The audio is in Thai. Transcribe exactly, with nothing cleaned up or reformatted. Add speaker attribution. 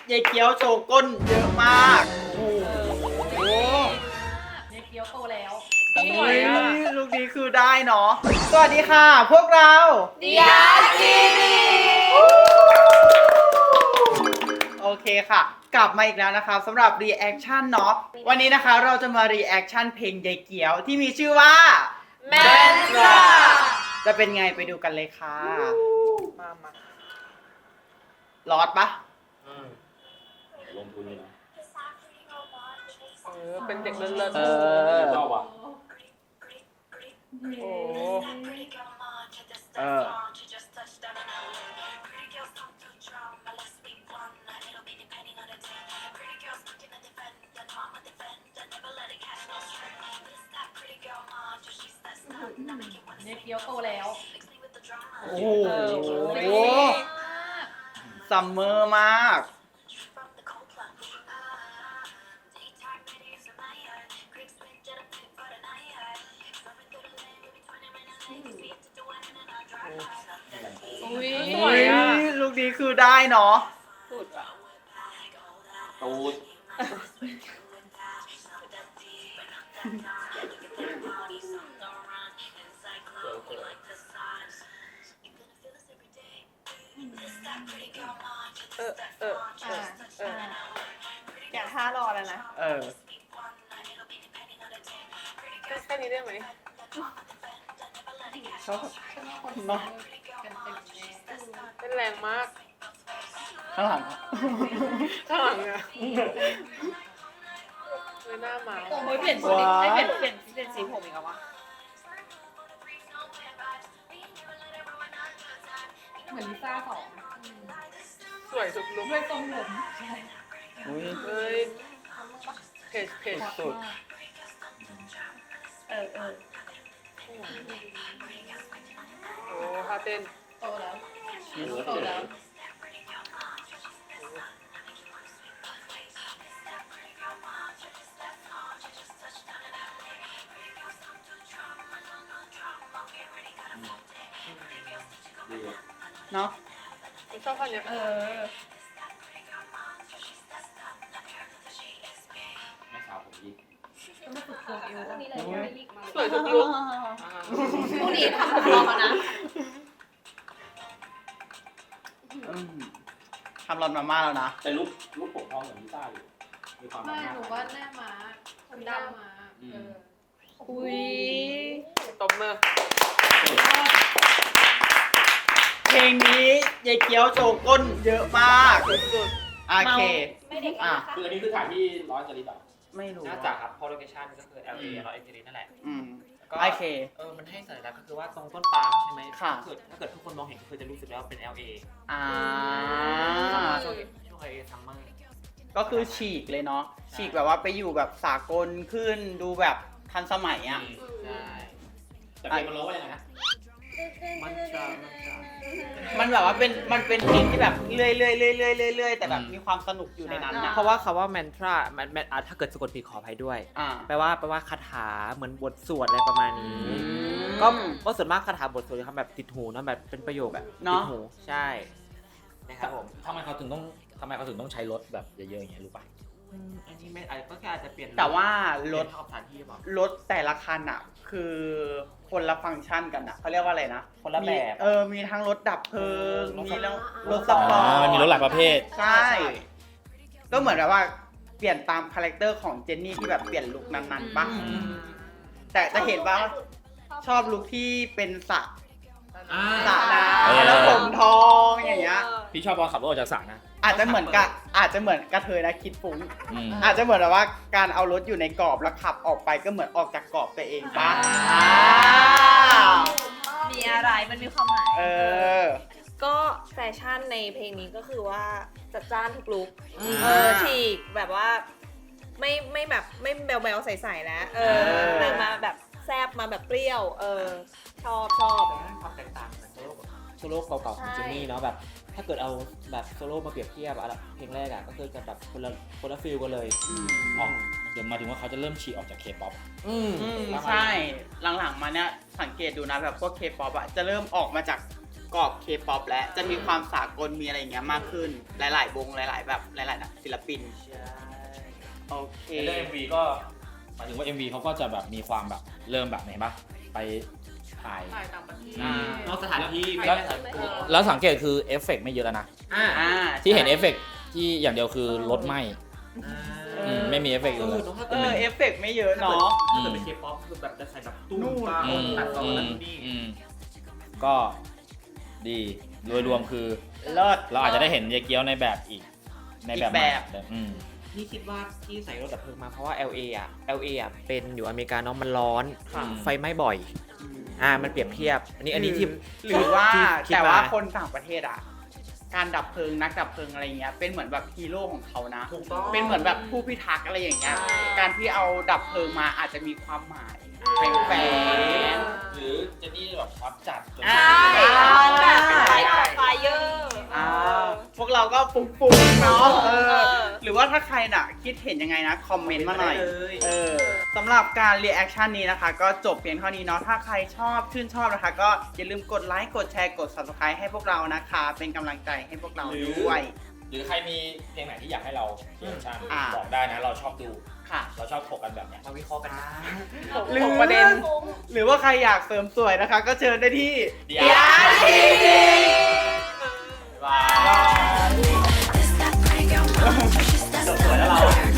Speaker 1: ยายเกี๊ยวโชว์ก้นเยอะมากโอ้โห
Speaker 2: ยายเกี๊ยวโตแล้ว
Speaker 1: สวยอ่ะลูกนี้คือได้เนาะสวัสดีค่ะพวกเรา
Speaker 2: ดิยากินี
Speaker 1: โอเคค่ะ กลับมาอีกแล้วนะคะสำหรับ reaction เนาะวันนี้นะคะเราจะมา reaction เพลงยายเกี๊ยวที่มีชื่อว่า
Speaker 2: แมนตรา
Speaker 1: จะเป็นไงไปดูกันเลยค่ะมามาลอดปะ
Speaker 3: ลงทุนเลยนะ
Speaker 4: เออเป็นเด็กเลิศๆ
Speaker 1: เออ
Speaker 3: ชอบอ่ะ
Speaker 4: โอ้
Speaker 1: เออ
Speaker 2: ยายเกี๊ยวโตแล้ว
Speaker 1: โอ้โหซัมเมอร์มาก
Speaker 2: อุ้ย
Speaker 4: สวยอ่ะ
Speaker 1: ลูกนี้คือได้เนาะ
Speaker 4: สุดอ่ะ
Speaker 3: ตูด
Speaker 4: เออเออเออเอออยากท่ารอแล้วนะ
Speaker 1: เออ
Speaker 4: แค่นี้ได้ไหม
Speaker 1: ชอบเนาะ
Speaker 4: เป็นแรงมาก
Speaker 1: ข้างหลังอะ
Speaker 4: ข้างหลังอ่ะไม่น่ามา
Speaker 2: โอ้ยเปลี่ยนสีให้เปลี่ยนเปลี่ยนเปลี่ยนสีผมอีกแล้ววะเหมือนลิซ่าสอง
Speaker 4: สวยสุดลุก
Speaker 2: ด้วยทรงผม
Speaker 1: อุ้ย
Speaker 4: เอ้ยเพจเพจ
Speaker 1: สุด
Speaker 2: เออเออ
Speaker 4: โอ้ท่าเต้น
Speaker 2: โตแล้ว
Speaker 1: ชีส
Speaker 2: โตแล้ว
Speaker 3: ดีอ่ะ
Speaker 1: เนาะ
Speaker 4: ผมชอบท่าเนี้ย
Speaker 2: เออ
Speaker 3: แม่สาวผมยิง
Speaker 2: ต้องมาฝึกโคเอวพวกนี้เลย
Speaker 4: สวยทุกลุก
Speaker 2: พวกนี้ทำผมรอมานะ
Speaker 1: อืมทำรอนมาม่าแล้วนะ
Speaker 3: แต่ลูกลูกผมพร้อมเหมือนลิซ่าอยู่มีความ
Speaker 2: ไม่
Speaker 3: น่า
Speaker 2: หนูว่าหน้าม้าคนดำม้าเออ
Speaker 4: อุ้ยตบมือ
Speaker 1: เพลงนี้ยายเกี๊ยวโชว์ก้นเยอะมาก
Speaker 4: สุด
Speaker 1: โอเค
Speaker 2: ไม่เด็ก
Speaker 1: อ่ะ
Speaker 3: คืออันนี้คือถ่ายที่ร้อยจริตอ่ะ
Speaker 1: ไม่รู้
Speaker 5: น่าจะครับเพราะโลเคชั่นก็คือ แอล เอ เราเอเจนั่นแหละ
Speaker 1: อืม
Speaker 5: ก็
Speaker 1: โอเค
Speaker 5: เออมันให้สัญลักษณ์ก็คือว่าตรงต้นปาล์มใช่ไหม
Speaker 1: ค่ะ
Speaker 5: ถ้าเกิดถ้าเกิดทุกคนมองเห็นก็คือจะรู้สึกว่าเป็น แอล เอ
Speaker 1: อ่า
Speaker 5: ช่วงช่วง แอล เอ ซัมเมอร์
Speaker 1: ก็คือฉีกเลยเนาะ ฉีกแบบว่าไปอยู่แบบสากลขึ้น ดูแบบทันสมัยอ่ะ
Speaker 5: ใช่
Speaker 3: แต่เพลงมันร้องว่ายังไงนะ
Speaker 5: มันจะมันจะ
Speaker 1: มันแบบว่าเป็น มันเป็นเพลงที่แบบเรื่อยๆเรื่อยๆเรื่อยๆเรื่อยๆแต่แบบมีความสนุกอยู่ในนั้นนะ
Speaker 5: เพราะว่าคำว่าแมนทรามันมันอ่ะถ้าเกิดสะกดผิดขออภัยด้วย
Speaker 1: อ่า
Speaker 5: แปลว่าแปลว่าคาถาเหมือนบทสวดอะไรประมาณนี้
Speaker 1: อืม
Speaker 5: ก็ก็ส่วนมากคาถาบทสวดจะทำแบบติดหูนะแบบเป็นประโยคแบบ
Speaker 1: เนอะ
Speaker 5: ติดหูใช่นะครับผม
Speaker 6: ทำไมเขาถึงต้องทำไมเขาถึงต้องใช้รถแบบเยอะๆอย่างเงี้ยรู้ป่ะ
Speaker 5: อืมอันนี้ไม่อาจก็แค่อาจจะเปลี่ยน
Speaker 1: แต่ว่าร
Speaker 5: ร
Speaker 1: ถ
Speaker 5: ถเข้าสถานที่หรือเปล่า
Speaker 1: รถแต่ละคันอ่ะ คือคนละฟังก์ชันกันอ่ะเขาเรียกว่าอะไรนะ
Speaker 5: คนละแบบ
Speaker 1: มีเออ มีทั้งรถดับเพลิง
Speaker 5: รถ
Speaker 1: มีแล้วรถส
Speaker 6: อ๋
Speaker 1: ปอร์ต
Speaker 6: อมันมีรถหลายประเภท
Speaker 1: ใช่ ก็เหมือนแบบว่าเปลี่ยนตามคาแรคเตอร์ของเจนนี่ที่แบบเปลี่ยนลุคนั้นๆปะ
Speaker 5: อืม
Speaker 1: แต่จะเห็นว่าชอบลุคที่เป็นสระ
Speaker 5: อ่า
Speaker 1: สระน้
Speaker 6: เออ
Speaker 1: ำแล้วผมทองอย่างเงี้ย
Speaker 6: พี่ชอบตอนขับรถออกจากสระนะ
Speaker 1: อาจจะเหมือนกับอาจจะเหมือนกระเทยนะคิดฟุ้ง
Speaker 6: อืม
Speaker 1: อาจจะเหมือนแบบว่าการเอารถอยู่ในกรอบแล้วขับออกไปก็เหมือนออกจากกรอบตัวเองปะ
Speaker 5: อ่า
Speaker 1: อ่า
Speaker 2: มีอะไรมันมีความหมาย
Speaker 1: เออ
Speaker 7: ก็แฟชั่นในเพลงนี้ก็คือว่าจัดจ้านทุกลุก
Speaker 5: อืม
Speaker 7: เออฉีกแบบว่าไม่ไม่แบบไม่แบวๆใสๆแล้วเออ
Speaker 1: เออ
Speaker 7: นางมาแบบแซบมาแบบเปรี้ยว เออ ชอบชอบ
Speaker 5: ความแตกต่างเหมือนโซโล่โซโล่เก่าๆของ
Speaker 7: ใช่
Speaker 5: เจนนี่เนาะแบบ ถ้าเกิดเอาแบบโซโล่มาเปรียบเทียบอะเพลงแรกอะก็คือจะแบบคนละคนละฟิลกันเลย
Speaker 6: อ๋อ เดี๋ยวมาถึงว่าเขาจะเริ่มฉีกออกจากเคป๊อป
Speaker 5: อืม
Speaker 1: อืม
Speaker 5: ประมาณ
Speaker 1: ใช่ หลังๆมาเนี้ยสังเกตดูนะแบบพวกเคป๊อปอะจะเริ่มออกมาจากกรอบ K-pop และจะมีความสากลมีอะไรอย่างเงี้ยมากขึ้นหลาย ๆ วงหลาย ๆ แบบหลายๆนะศิลปินโอเค
Speaker 6: ในเรื่อง เอ็ม วี ก็หมายถึงว่า เอ็ม วี เขาก็จะแบบมีความแบบเริ่มแบบไหนปะไปถ่าย
Speaker 2: ถ่ายต่างประเทศ
Speaker 6: อืม
Speaker 5: นอกสถานที่ไม่
Speaker 6: แล้ว
Speaker 5: ได้สถานที่
Speaker 6: แล้วสังเกตคือเอฟเฟกต์ไม่เยอะแล้วนะ
Speaker 5: อ่า
Speaker 1: อ่า
Speaker 6: ที่เห็นเอฟเฟกต์ที่อย่างเดียวคือรถไหม้
Speaker 5: อ่า
Speaker 6: อืมไม่มีเอฟเฟกต์
Speaker 5: เอ
Speaker 6: อื่น
Speaker 5: อ
Speaker 6: เลย
Speaker 5: เนอะถ้า
Speaker 1: เอ
Speaker 5: เกิด
Speaker 1: อ
Speaker 5: เป็น
Speaker 1: เอฟเฟกต์ไม่เยอะเนาะ
Speaker 5: ถ้าเกิดเป็นเคป๊อปคือแบบจะใส่แบบตุ้ม
Speaker 1: นู่น
Speaker 5: ตาม
Speaker 6: อืม
Speaker 5: ตัดต่อ
Speaker 6: อื
Speaker 5: แล้ว
Speaker 6: ม
Speaker 5: นี่
Speaker 6: อืมก็ดีโดยรวมคือ
Speaker 1: เลิศ
Speaker 6: เราอาจจะได้เห็นเยเกียวในแบบอีกในแบบ
Speaker 1: อีกแบบ
Speaker 6: ใหม่อืม
Speaker 5: นี่คิดว่าที่ใส่รถดับเพลิงมาเพราะว่า แอล เอ อ่ะ แอล เอ อ่ะเป็นอยู่อเมริกาเนาะมันร้อน
Speaker 6: ค่ะ
Speaker 5: ไฟไหม้บ่อย อ่ามันเปรียบเทียบ อันนี้อันนี้ที่
Speaker 1: หรือว่า
Speaker 5: ที่คิด
Speaker 1: แต่ว่า
Speaker 5: มา
Speaker 1: คนต่างประเทศอ่ะ การดับเพลิงนักดับเพลิงอะไรเงี้ยเป็นเหมือนแบบฮีโร่ของเขานะ
Speaker 5: ถูกต้อง
Speaker 1: เป็นเหมือนแบบผู้พิทักษ์อะไรอย่างเงี้ย การที่เอาดับเพลิงมาอาจจะมีความหมายแฝง
Speaker 6: หรือเจนนี่แบบฮอตจัดจน
Speaker 1: อ่า
Speaker 7: ใช่มันแบบเป็นไฟไฟเยอร์
Speaker 1: ๆอ่าพวกเราก็ฟุ้งๆเนาะเอ
Speaker 7: เอ
Speaker 1: อ
Speaker 7: อ
Speaker 1: หรือว่าถ้าใครน่ะคิดเห็นยังไงนะ คอมเมนต์มาหน่อย
Speaker 5: ได้เลย
Speaker 1: เออสำหรับการรีแอคชั่นนี้นะคะ ก็จบเพียงเท่านี้เนาะถ้าใครชอบชื่นชอบนะคะ ก็อย่าลืมกดไลค์กดแชร์กด ซับสไครบ์ ให้พวกเรานะคะ เป็นกำลังใจให้พวกเราด้วย
Speaker 6: หรือใครมีเพลงไหนที่อยากให้เราเรียกชั่น
Speaker 1: อ่า
Speaker 6: บอกได้นะเราชอบดู
Speaker 1: ค่ะ
Speaker 6: เราชอบถกกันแบบเนี้ย
Speaker 5: มาวิเคราะห์กันนะ
Speaker 1: หรือประเด็น หรือว่าใครอยากเสริมสวยนะคะ ก็เชิญได้ที่
Speaker 6: เดี๋ยว
Speaker 1: บ๊ายบาย
Speaker 6: จบสวยแล้วเรา